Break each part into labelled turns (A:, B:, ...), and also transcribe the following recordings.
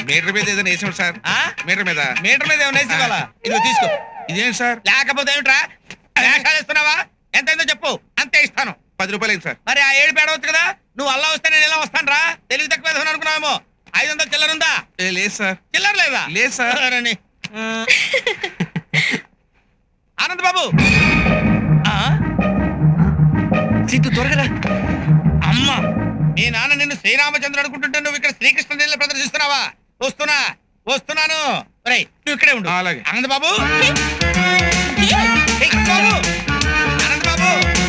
A: Metre మీద ఏదైనా వేసాడు సార్. మీటర్ మీద
B: ఏమైనా వేసుకోవాలా? ఇదిగో తీసుకో.
A: ఇదేంటి సార్?
B: లేకపోతే ఏమిట్రా వేషాలు ఇస్తున్నావా? ఎంతైందో చెప్పు, అంతే ఇస్తాను.
A: 10 రూపాయలు సార్.
B: మరి ఆ 7 పేడవచ్చు కదా. నువ్వు అల్లా వస్తే నేను ఎలా వస్తాను రా? తెలివి తక్కువ వేసుకుని అనుకున్నావేమో. 500 చిల్లర ఉందా?
A: లేదు సార్.
B: చిల్లర లేదా?
A: లేదు సార్.
B: ఆనంద్ బాబు
C: సీతు త్వరగా
B: అమ్మ, మీ నాన్న నిన్ను శ్రీరామచంద్రుడు అనుకుంటుంటే నువ్వు ఇక్కడ శ్రీకృష్ణ లీల ప్రదర్శిస్తున్నావా? వస్తున్నాను. నువ్వు ఇక్కడే ఉండు.
A: అలాగే.
B: ఆనంద్ బాబు, బాబు, ఆనంద్ బాబు.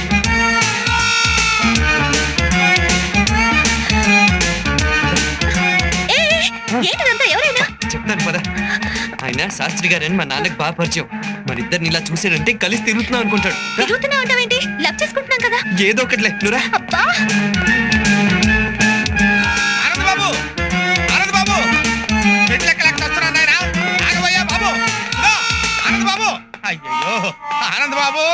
C: చెప్తాను పద. ఆయన శాస్త్రి గారని మా నాన్నకి బాగా పరిచయం. మరిద్దరిని ఇలా చూసాడంటే కలిసి తిరుగుతున్నాం అనుకుంటాడు. ఏదో ఒకటిలే నువ్వురా.
B: ఆనంద్ బాబు వస్తున్నాను నాయనా. ఆగబోయా బాబు. ఆనంద్ బాబు, అయ్యో ఆనంద్ బాబు.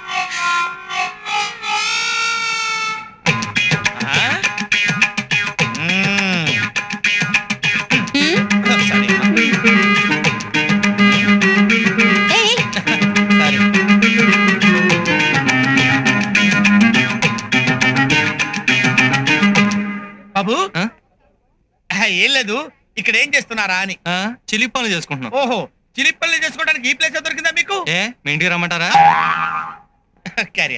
B: బాబు ఏం లేదు, ఇక్కడ ఏం చేస్తున్నారా అని.
C: చిలిపి పనులు చేసుకుంటున్నాం.
B: ఓహో, చిలిపల్లి చేసుకోవడానికి ఈ ప్లేస్ దొరికిందా మీకు?
C: మీ ఇంటికి రమ్మంటారా?
B: క్యారీ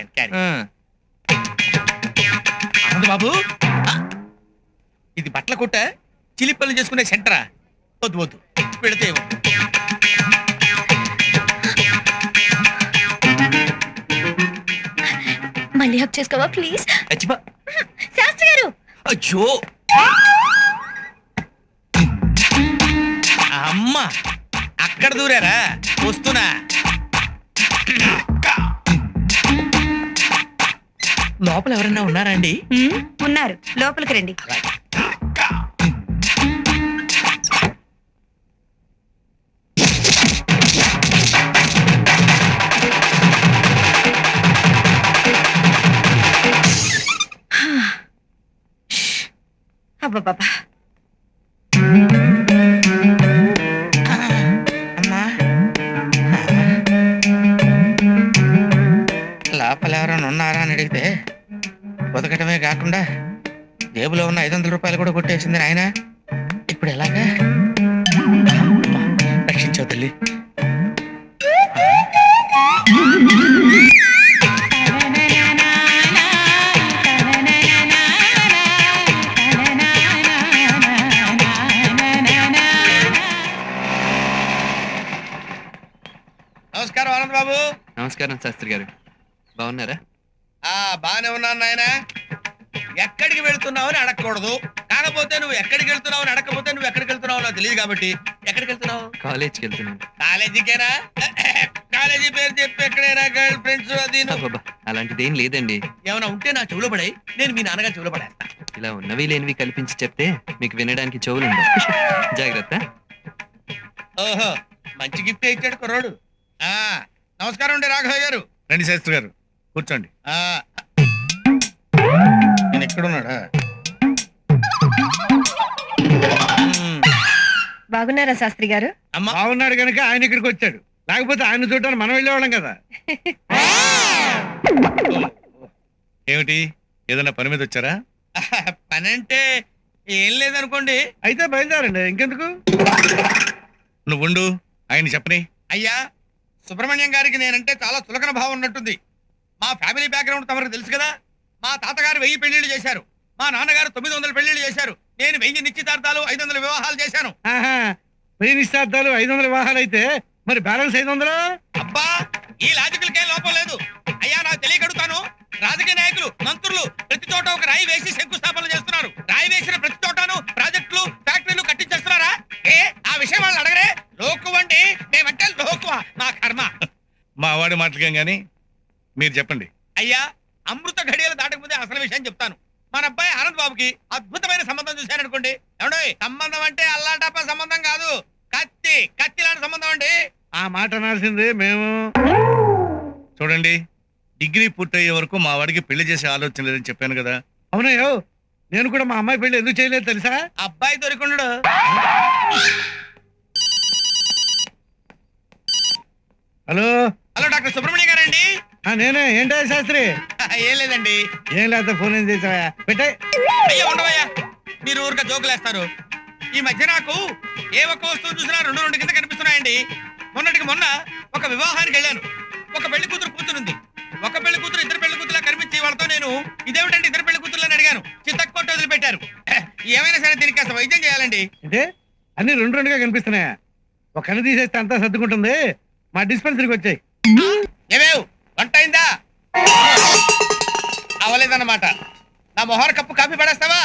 B: ఆనంద్ బాబు, ఇది బట్టల కొట్ట, చిలిపల్లి చేసుకునే సెంటరా? వద్దు పెడితే
D: మళ్ళీ హక్ చేసుకోవా ప్లీజ్? శాస్త్రి గారు.
C: అయ్యో
B: అమ్మ, అక్కడ దూరారా? వస్తున్నా. లోపల ఎవరైనా ఉన్నారా అండి?
D: ఉన్నారు, లోపలికి రండి. అబ్బా,
B: లోపల ఎవరైనా ఉన్నారా అని అడిగితే బతకటమే కాకుండా జేబులో ఉన్న 500 రూపాయలు కూడా కొట్టేసింది ఆయన. ఇప్పుడు ఎలాగా? రక్షించావు తల్లి. నమస్కారం ఆనంద్ బాబు.
C: నమస్కారం శాస్త్రి గారు, బాగున్నారా?
B: బానే ఉన్నాను నాయన. ఎక్కడికి వెళ్తున్నావు అని అడగకూడదు. కాకపోతే నువ్వు ఎక్కడికి వెళ్తున్నావు అని అడగకపోతే నువ్వు ఎక్కడికి వెళ్తున్నావు నాకు తెలియదు కాబట్టి. ఎక్కడికి వెళ్తున్నావు?
C: కాలేజ్కి వెళ్తున్నాను.
B: కాలేజీకేనా? కాలేజీ పేరు చెప్పి ఎక్కడైనా గర్ల్ ఫ్రెండ్స్ అది
C: అలాంటిదేం లేదండి.
B: ఏమైనా ఉంటే నా చెవులో పడాయి, నేను మీ నాన్నగారు చెవులో పడేస్తా.
C: ఇలా ఉన్నవి లేనివి కల్పించి చెప్తే మీకు వినడానికి చెవులు ఉండవు. జాగ్రత్త.
B: ఓహో, మంచి గిఫ్ట్ ఇచ్చాడు కుర్రాడు. నమస్కారం అండి రాఘవ గారు.
A: రండి శాస్త్రి గారు, కూర్చోండి.
B: నేను ఎక్కడున్నాడా?
D: బాగున్నారా శాస్త్రి గారు?
A: బాగున్నాడు కనుక ఆయన ఇక్కడికి వచ్చాడు, లేకపోతే ఆయన చూడటానికి మనం వెళ్ళేవాళ్ళం కదా. ఏమిటి, ఏదైనా పని మీద వచ్చారా?
B: పని అంటే ఏం లేదనుకోండి.
A: అయితే బయలుదేరండి, ఇంకెందుకు. నువ్వుండు, ఆయన చెప్పని.
B: అయ్యా, సుబ్రహ్మణ్యం గారికి నేనంటే చాలా చులకన భావం ఉన్నట్టుంది. మా ఫ్యామిలీ బ్యాక్గ్రౌండ్ తమకు తెలుసు కదా. మా తాతగారు 1000 పెళ్లిళ్ళు చేశారు, మా నాన్నగారు 900 పెళ్లిళ్ళు చేశారు. నేను 1000 నిశ్చితార్థాలు 500 వివాహాలు చేశాను.
A: 1000 నిశ్చితార్థాలు 500 వివాహాలు అయితే మరి బ్యాలెన్స్ 500?
B: అబ్బా, ఈ లాజికల్కేం లోపం లేదు. అయ్యా, నాకు తెలియకడుగుతాను, రాజకీయ నాయకులు మంత్రులు ప్రతి చోట ఒక రాయి వేసి శంకుస్థాపన చేస్తున్నారు. రాయి వేసిన ప్రతి చోటను ప్రాజెక్టులు ఫ్యాక్టరీలు కట్టించేస్తున్నారా? ఆ విషయం వాళ్ళు అడగరే. లోకువ అండి, మేమంటే లోకువ. నా కర్మ.
A: మా వాడి మాటలకేం గాని మీరు చెప్పండి.
B: అయ్యా, అమృత ఘడియలు దాటకముందే అసలు విషయం చెప్తాను. మన అబ్బాయి ఆనంద్ బాబుకి అద్భుతమైన సంబంధం చూశారనుకోండి. ఏమండి, సంబంధం అంటే అల్లాటప్ప సంబంధం కాదు, కత్తి లాంటి సంబంధం అండి.
A: ఆ మాట అనాల్సిందే మేము. చూడండి, డిగ్రీ పూర్తయ్యే వరకు మా వాడికి పెళ్లి చేసే ఆలోచన లేదని చెప్పాను కదా. అవునయ్యో, నేను కూడా మా అమ్మాయి పెళ్లి ఎందుకు చేయలేదు తెలుసా?
B: అబ్బాయి దొరికొండు.
A: హలో
B: హలో డాక్టర్ సుబ్రహ్మణ్యం గారండి?
A: నేనే. ఏంటో శాస్త్రి?
B: ఏం లేదండి.
A: ఏం లేకపోతే ఫోన్ ఏం చేసావా? పెట్టే.
B: అయ్యో ఉండవయ్యా, మీరు ఊరిక జోకులేస్తారు. ఈ మధ్య నాకు ఏ ఒక్క వస్తువు చూసినా రెండు రెండు కింద కనిపిస్తున్నాయండి. మొన్నటికి మొన్న ఒక వివాహానికి వెళ్ళాను. ఒక పెళ్లి కూతురు కూతురుంది. ఒక పెళ్లి కూతురు ఇద్దరు పెళ్లి కూతురులా కనిపించి వాళ్ళతో నేను ఇదేమిటంటే ఇద్దరు పెళ్లి కూతురులని అడిగాను. చిత్తక్కొట్టు వదిలిపెట్టారు. ఏమైనా సరే దీనికి కాస్త వైద్యం చేయాలండి.
A: అంటే అన్ని రెండు రెండుగా కనిపిస్తున్నాయా? ఒక కన్ను తీసేస్తే అంతా సర్దుకుంటుంది. మా డిస్పెన్సరీకి వచ్చాయి.
B: ఏమేవ్ వంట అయిందా? అవలేదన్నమాట. నా మొహర కప్పు కాఫీ పడేస్తావా?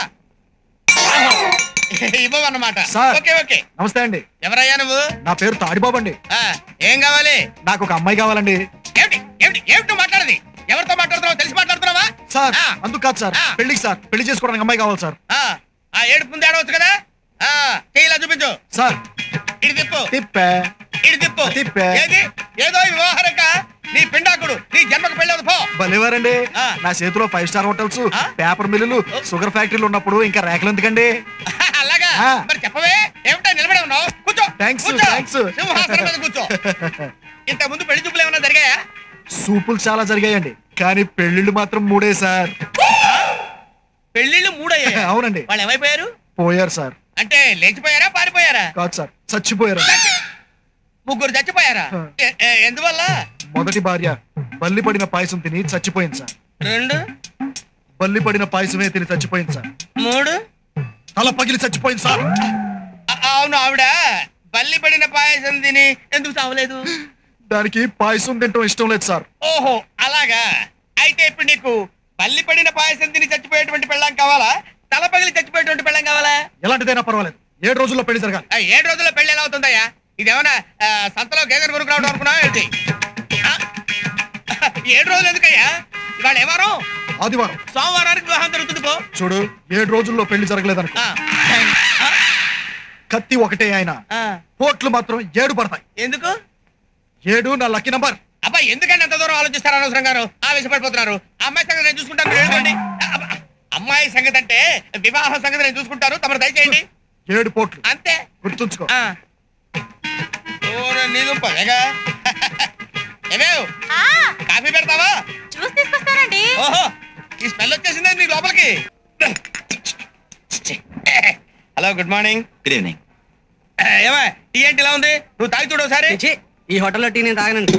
B: ఇవ్వవన్నమాట. Okay okay.
E: నమస్తే అండి.
B: ఎవరయ్యా నువ్వు?
E: నా పేరు తాడిబాబు అండి.
B: ఏం కావాలి?
E: నాకు ఒక అమ్మాయి కావాలండి.
B: ఏమిటి ఏమిటి ఏమిటి మాట్లాడది? ఎవరితో మాట్లాడుతున్నావు? తెలిసి మాట్లాడుతున్నావా?
E: సార్ అందుకు కాదు సార్, పెళ్లికి సార్. పెళ్లి చేసుకోవడానికి అమ్మాయి కావాలి సార్.
B: ఆ ఏడుపు ముందు ఆడవచ్చు కదా. చెయ్యిలా చూపించు.
E: సార్
B: ఇటు తిప్పు.
E: తిప్పే
B: ఇటు తిప్పు.
E: తిప్పే.
B: ఏది ఏదో ఈ వ్యవహారక నీ పిండాకుడు నీ జన్మకు పెళ్ళదు పో.
E: భలేవారండి. నా చేతిలో 5 స్టార్ హోటల్స్, పేపర్ మిల్లులు, షుగర్ ఫ్యాక్టరీలు ఉన్నప్పుడు ఇంకా రేఖలు ఎందుకండి?
B: అలాగా మరి చెప్పవే. ఏమిటో నిలబడి ఉన్నావు? కూర్చో.
E: థ్యాంక్స్
B: కూర్చో.
E: థ్యాంక్స్.
B: సింహాసనం మీద కూర్చో. ఇంత ముందు పెళ్లి చూపులు ఏమైనా జరిగాయా?
E: సూపులు చాలా జరిగాయండి, కానీ పెళ్లిళ్ళు మాత్రం 3 సార్.
B: పెళ్లిళ్ళు 3 అయ్యాయి.
E: అవునండి.
B: వాళ్ళు ఏమైపోయారు?
E: పోయారు సార్.
B: అంటే లేచిపోయారా పారిపోయారా?
E: కాదు సార్, చచ్చిపోయారు.
B: ముగ్గురు చచ్చిపోయారా? ఎందువల్ల?
E: మొదటి భార్య బల్లి పడిన పాయసం తిని చచ్చిపోయింది సార్.
B: 2
E: బల్లి పడిన పాయసమే తిని చచ్చిపోయింది సార్.
B: 3
E: తల పగిలి చచ్చిపోయింది సార్.
B: అవును, ఆవిడ బల్లి పడిన పాయసం తిని ఎందుకు చావలేదు?
E: దానికి పాయసం తింటం ఇష్టం లేదు సార్.
B: ఓహో అలాగా. అయితే ఇప్పుడు నీకు బల్లి పడిన పాయసం తిని చచ్చిపోయేటువంటి పెళ్ళాం కావాలా, తల పగిలి చచ్చిపోయేటువంటి పెళ్ళాం కావాలా?
E: ఎలాంటిదైనా పర్వాలేదు, 7 రోజుల్లో పెళ్లి జరగాలి.
B: 7 రోజుల్లో పెళ్లి ఎలా అవుతుందయ్యా? ఇదేమన్నా సంతలో గేదెలు కొనుక్కు రావడం అనుకున్నావా ఏంటి? 7 రోజులు ఎందుకయ్యా? ఇవాళ ఏ వారం?
E: ఆదివారం.
B: సోమవారానికి వివాహం జరుగుతుంది పో.
E: చూడు, 7 రోజుల్లో పెళ్లి జరగలేదనుకో, కత్తి ఒకటే ఆయన, కోట్లు మాత్రం 7 పడతాయి.
B: ఎందుకు?
E: 7 నా లక్కీ నంబర్.
B: అబ్బా ఎందుకంటే అంత దూరం ఆలోచిస్తారు? అనవసరంగా ఆవేశపడిపోతున్నారు. అమ్మాయి సంగతి నేను చూసుకుంటాను, మీరు వెళ్ళండి. అమ్మాయి సంగతి అంటే వివాహం సంగతి నేను చూసుకుంటాను, తమరు దయచేయండి.
E: 7 పోట్లు
B: అంతే,
E: గుర్తుంచుకో.
B: ఏమేవ్ కాఫీ పెడతావా?
D: చూసి తీసుకొస్తానండి.
B: ఓహో, ఈ స్మెల్ వచ్చేసిందే నీ లోపలికి. Hello, good morning.
C: Good evening.
B: ఏమా టీ ఏంటి ఇలా ఉంది? నువ్వు తాగి చూడు ఒకసారి.
F: ఈ హోటల్లో టీ నేను తాగనండి.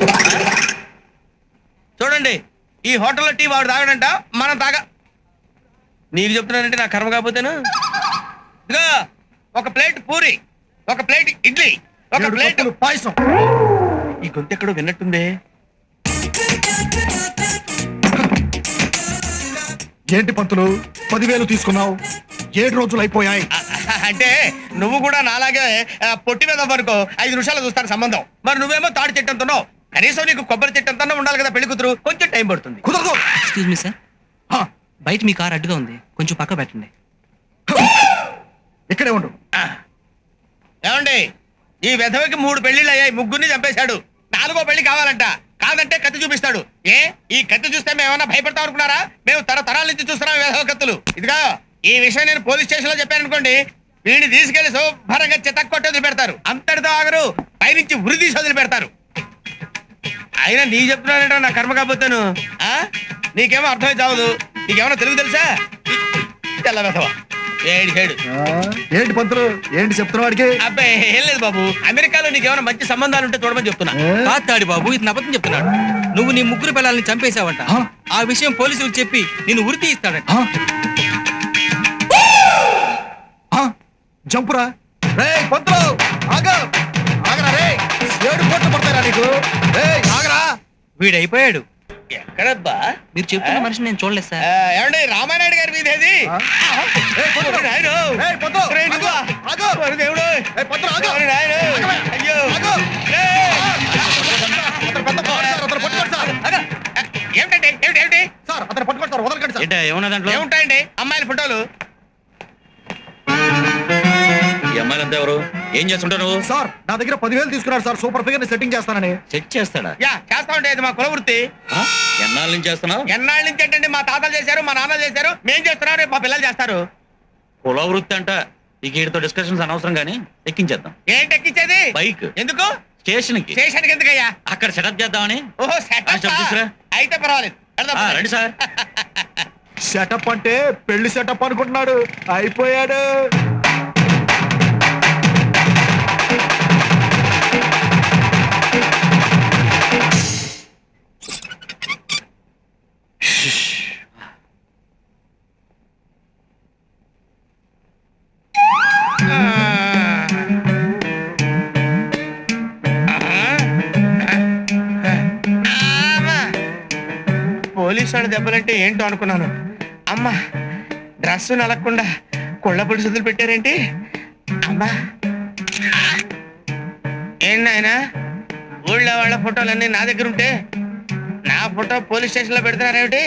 B: చూడండి, ఈ హోటల్లో టీ వాడు తాగడంట, మనం నీకు చెప్తున్నానంటే నా కర్మ కాకపోతేను. ఇదిగో ఒక ప్లేట్ పూరి, ఒక ప్లేట్ ఇడ్లీ, ఒక
E: 7
B: ప్లేట్
E: కప్పులు పాయసం.
B: ఈ గొంతు ఎక్కడో విన్నట్టుంది.
E: ఏంటి పంతులు 10,000 తీసుకున్నావు? 7 రోజులు అయిపోయాయి.
B: అంటే నువ్వు కూడా నాలాగే పొట్టి మీద వరకు 5 నిమిషాలు చూస్తాను సంబంధం. మరి నువ్వేమో తాడి చెట్టంతున్నావు. కనీసం నీకు కొబ్బరి చెట్టంతన్నా ఉండాలి కదా పెళ్లి కూతురు. కొంచెం టైం పడుతుంది.
E: కుదరదు.
F: ఎక్స్క్యూజ్ మీ సార్,
E: హా,
F: బయట మీ కార్ అడ్డుగా ఉంది, కొంచెం పక్క పెట్టండి.
E: ఇక్కడే ఉండు.
B: ఏమండి, ఈ వెధవకి 3 పెళ్లిళ్ళు అయ్యాయి, ముగ్గురిని చంపేశాడు. 4వ పెళ్లి కావాలంట. కాదంటే కత్తి చూపిస్తాడు. ఈ కత్తి చూస్తే మేమన్నా భయపడతాం అనుకున్నారా? మేము తరతరాల నుంచి చూస్తున్నాం ఈ వెధవ కత్తులు. ఇదిగా ఈ విషయం నేను పోలీస్ స్టేషన్ లో చెప్పాను అనుకోండి, వీడిని తీసుకెళ్లి శుభ్రంగా చితక్కొట్టి వదిలి పెడతారు. అంతటితో ఆగరు, పైనుంచి ఉరి తీసి వదిలి పెడతారు. అయినా నీ చెప్తున్నానంటే నా కర్మ కాకపోతాను. నీకేమో అర్థమై చావదు. నీకేమన్నా తెలుగు తెలుసా? తెల్ల వెధవ ఏడు.
E: ఏంటి పంతులు, ఏంటి చెప్తున్న వాడికి?
B: అబ్బాయి ఏం లేదు బాబు, అమెరికాలో నీకేమైనా మంచి సంబంధాలు ఉంటే చూడమని చెప్తున్నా.
F: కాతాడి బాబు, ఇది అబద్ధం చెప్తున్నాడు. నువ్వు నీ 3 పిల్లల్ని చంపేశావంట. ఆ విషయం పోలీసులకు చెప్పి నేను ఉరి తీయిస్తాడట.
E: జంపురా రే పంతులు, ఆగరా రే. 7 పోట్లు పడతారా నీకు? ఆగరా.
F: వీడైపోయాడు.
B: ఎక్కడబ్బా?
F: మీరు చెప్తున్న మనిషిని నేను చూడలేదు సార్.
B: ఏమండి, రామానాయుడు గారి మీద ఏది? దేవుడు అయ్యో ఏమిటండి ఏమిటి?
E: సార్ అతను పట్టుకోండి సార్, వదలకండి సార్.
F: ఏమన్నా దాంట్లో
B: ఏముంటాయండి? అమ్మాయిల ఫోటోలు.
C: ఈ అమ్మాయిలంతా ఎవరు? ఏం చేస్తుంటావు నువ్వు?
E: సార్ నా దగ్గర 10,000 తీసుకున్నాడు సార్, సూపర్ ఫిగర్ ని సెట్టింగ్ చేస్తానని.
C: సెట్ చేస్తాడా?
B: చేస్తామంటే ఇది మా కుల వృత్తి.
C: ఎన్నాళ్ళ నుంచి చేస్తున్నావు?
B: ఎన్నాళ్ళ నుంచి ఏంటండి? మా తాతలు చేశారు, మా నాన్నలు చేశారు, మేం చేస్తున్నాం, రేపు మా పిల్లలు చేస్తారు.
G: కుల వృత్తి అంట ఇక వీడితో డిస్కషన్స్ అనవసరం గానీ ఎక్కించేద్దాం.
B: ఏంటి ఎక్కించేది?
G: బైక్
B: ఎందుకు?
G: స్టేషన్ కి
B: స్టేషన్కి ఎందుకయ్యా?
G: అక్కడ సెటప్ చేద్దామని.
B: ఓహో
G: చెప్పు తీసుకురా.
B: అయితే పర్వాలేదు. వెళ్దాం.
G: రండి సార్.
E: సెటప్ అంటే పెళ్లి సెటప్ అనుకుంటున్నాడు, అయిపోయాడు.
B: పోలీసు వాడి దెబ్బలంటే ఏంటో అనుకున్నాను. అమ్మా, డ్రెస్ నలగకుండా కుళ్ళ పొడి పెట్టారేంటి? అమ్మా, ఏంటి నాయనా ఊళ్ళో వాళ్ళ ఫోటోలన్నీ నా దగ్గర ఉంటే నా ఫోటో పోలీస్ స్టేషన్ లో పెడుతున్నారేమిటి?